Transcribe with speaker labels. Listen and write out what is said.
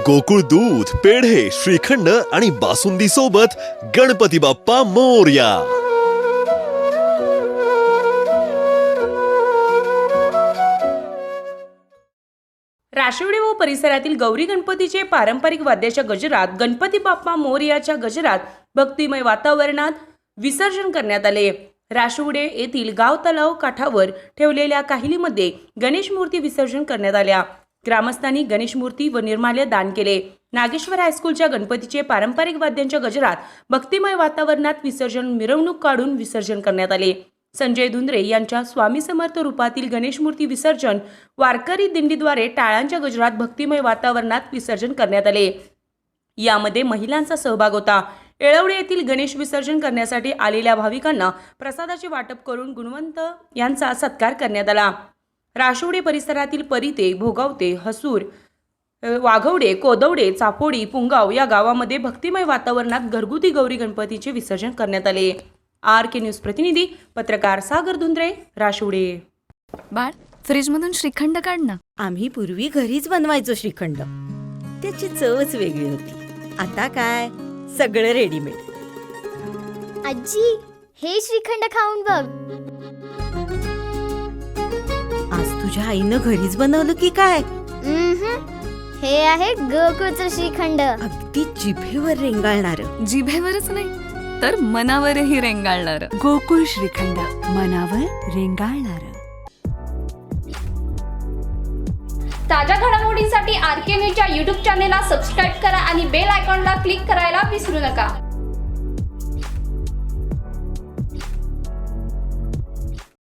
Speaker 1: गोकुळ दूध, पेढे, श्रीखंड आणि बासुंदी सोबत गणपती बाप्पा मोरया।
Speaker 2: राशिवडे व परिसरातील गौरी गणपतीचे पारंपरिक वाद्याच्या गजरात गणपती बाप्पा मोरयाच्या गजरात भक्तिमय वातावरणात विसर्जन करण्यात आले। राशिवडे येथील गाव तलाव काठावर ठेवलेल्या काहिलीमध्ये गणेश मूर्ती विसर्जन करण्यात आल्या। ग्रामस्थांनी गणेश मूर्ती व निर्माल्य दान केले। नागेश्वर हायस्कूलच्या गणपतीचे पारंपरिक वाद्यांच्या गजरात भक्तिमय वातावरणात विसर्जन मिरवणूक काढून विसर्जन करण्यात आले। संजय धुंद्रे यांच्या स्वामी समर्थ रूपातील गणेश मूर्ती विसर्जन वारकरी दिंडीद्वारे टाळांच्या गजरात भक्तिमय वातावरणात विसर्जन करण्यात आले। यामध्ये महिलांचा सहभाग होता। येळवडे येथील गणेश विसर्जन करण्यासाठी आलेल्या भाविकांना प्रसादाचे वाटप करून गुणवंत यांचा सत्कार करण्यात आला। राशिवडे परिसरातील परिते, भोगावते, हसूर, वाघवडे, कोदवडे, चापोडी, पुंगाव या गावामध्ये भक्तिमय वातावरणात घरगुती गौरी गणपतीचे विसर्जन करण्यात आले। RK न्यूज प्रतिनिधी पत्रकार सागर धुंद्रे, राशिवडे।
Speaker 3: बाळ, फ्रीजमधून श्रीखंड काढ ना।
Speaker 4: आम्ही पूर्वी घरीच बनवायचो श्रीखंड, त्याची चवच वेगळी होती। आता काय सगळं रेडीमेड।
Speaker 5: आजी, हे श्रीखंड खाऊन बघ।
Speaker 4: आज तुझ्या आईनं घरीच बनवलं की काय?
Speaker 5: हे आहे गोकुळचं श्रीखंड।
Speaker 4: अगदी जिभेवर रेंगाळणार।
Speaker 3: जिभेवरच नाही तर मनावरही रेंगाळणार।
Speaker 6: गोकुळ श्रीखंड, मनावर रेंगाळणार।
Speaker 7: ताज्या घडामोडींसाठी RK न्यूजच्या YouTube चॅनेलला सबस्क्राईब करा आणि बेल आयकॉनला क्लिक करायला विसरू नका।